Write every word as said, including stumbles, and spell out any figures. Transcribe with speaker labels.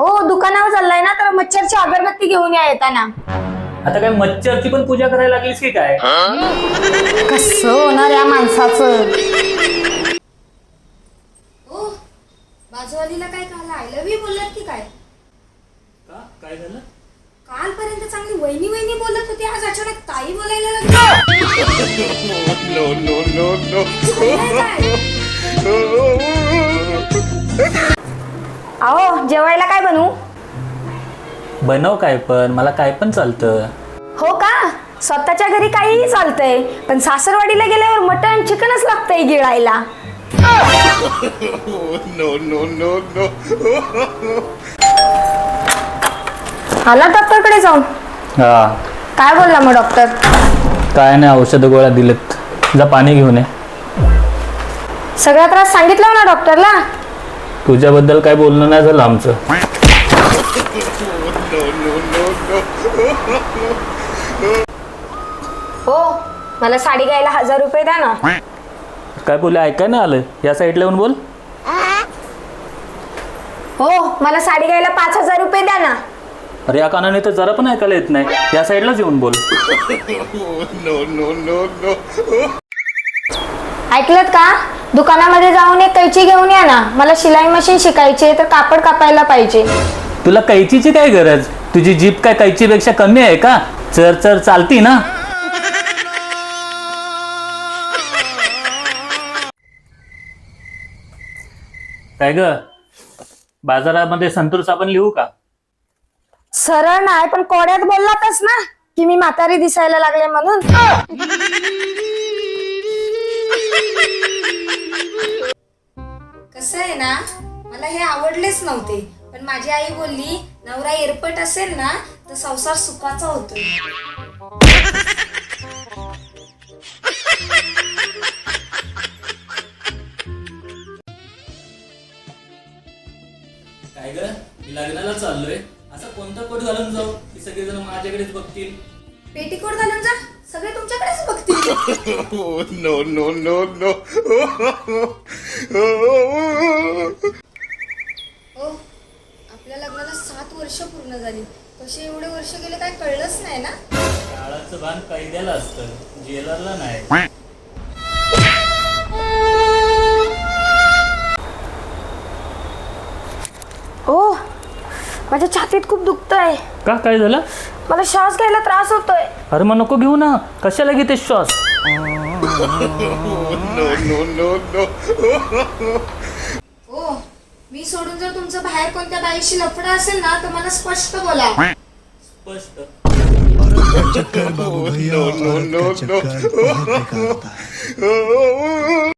Speaker 1: हो दुकानावर चाललाय ना, तर मच्छरची अगरबत्ती घेऊन या येताना.
Speaker 2: आता काय मच्छरची पण पूजा करायला लागलीस की काय?
Speaker 1: कसं होणार या माणसाचं.
Speaker 3: ओ बाजूवालीला काय काल आय लव्ह यू बोललात की काय?
Speaker 2: का काय झालं?
Speaker 3: कालपर्यंत चांगली वहिनी वहिनी बोलत होती, आज अचानक ताई बोलायला लागली.
Speaker 4: No, no, no, no.
Speaker 1: अहो जेवायला काय बनवू?
Speaker 2: बनव काय पण, मला काय पण चालतं.
Speaker 1: हो का? स्वतःच्या घरी काहीही चालतंय, पण सासरवाडीला गेल्यावर मटण चिकनच लागतंय गिळायला.
Speaker 4: No, no, no, no.
Speaker 1: आला डॉक्टरकडे जाऊन?
Speaker 2: हा
Speaker 1: काय बोलला मग डॉक्टर?
Speaker 2: काय नाही, औषध गोळ्या दिलेत. जा पाणी घेऊन ये.
Speaker 1: सगळा त्रास सांगितला ना डॉक्टरला?
Speaker 2: तुझ्याबद्दल काय बोलणं नाही झालं आमचं.
Speaker 4: No, no, no, no.
Speaker 1: हो मला साडी घ्यायला हजार रुपये द्या ना.
Speaker 2: काय बोलले ऐकाय नाही आलं? या साईडला येऊन बोल.
Speaker 1: हो मला साडी घ्यायला पाच हजार रुपये द्या ना.
Speaker 2: अरे या कानाने तर जरा पण ऐकायला येत नाही. या साईडलाच येऊन बोल.
Speaker 4: No, no, no, no.
Speaker 1: ऐकलत का? दुकानामध्ये जाऊन एक कैची घेऊन या ना. मला शिलाई मशीन शिकायची तर कापड कापायला पाहिजे.
Speaker 2: तुला कैचीची काय गरज? तुझी जीभ काय कैचीपेक्षा कमी आहे का? चर चर चालती ना. काय ग, बाजारामध्ये संतूर साबण लिहू का?
Speaker 1: सरळ नाही पण कोड्यात बोललातच ना की मी म्हातारी दिसायला लागले म्हणून.
Speaker 3: कसं आहे ना, मला हे आवडलेच नव्हते, पण माझी आई बोलली नवरा एरपट असेल ना तर संसार सुखाचा होतोय.
Speaker 2: काय ग, मी लग्नाला चाललोय, असं कोणता कोट घालून जाऊ की सगळेजण माझ्याकडेच बघतील?
Speaker 3: पेटीकोट घालून जा, सगळे तुमच्याकडेच बघतील.
Speaker 4: No, no, no, no.
Speaker 3: हो आपल्या लग्नाला सात वर्ष पूर्ण झाली, कसे एवढे वर्ष गेले काय कळलंच नाही ना.
Speaker 2: काळाचं भान कैद्याला असतं, जेलरला नाही.
Speaker 1: ओ माझ्या छातीत खूप दुखतंय.
Speaker 2: का काय झालं?
Speaker 1: मला श्वास घ्यायला त्रास होतोय.
Speaker 2: अरे मग नको घेऊ ना, कशाला घेते श्वास?
Speaker 4: No, no, no, no.
Speaker 3: हो मी सोडून जर तुमचं बाहेर कोणत्या बाईशी लफडं असेल ना तर मला स्पष्ट बोला.
Speaker 2: स्पष्ट.
Speaker 5: चक्कर बाबू भैया,
Speaker 4: No, no,
Speaker 5: औरत
Speaker 4: no,
Speaker 5: का चक्कर
Speaker 4: no.
Speaker 5: बहुत बेकार होता है.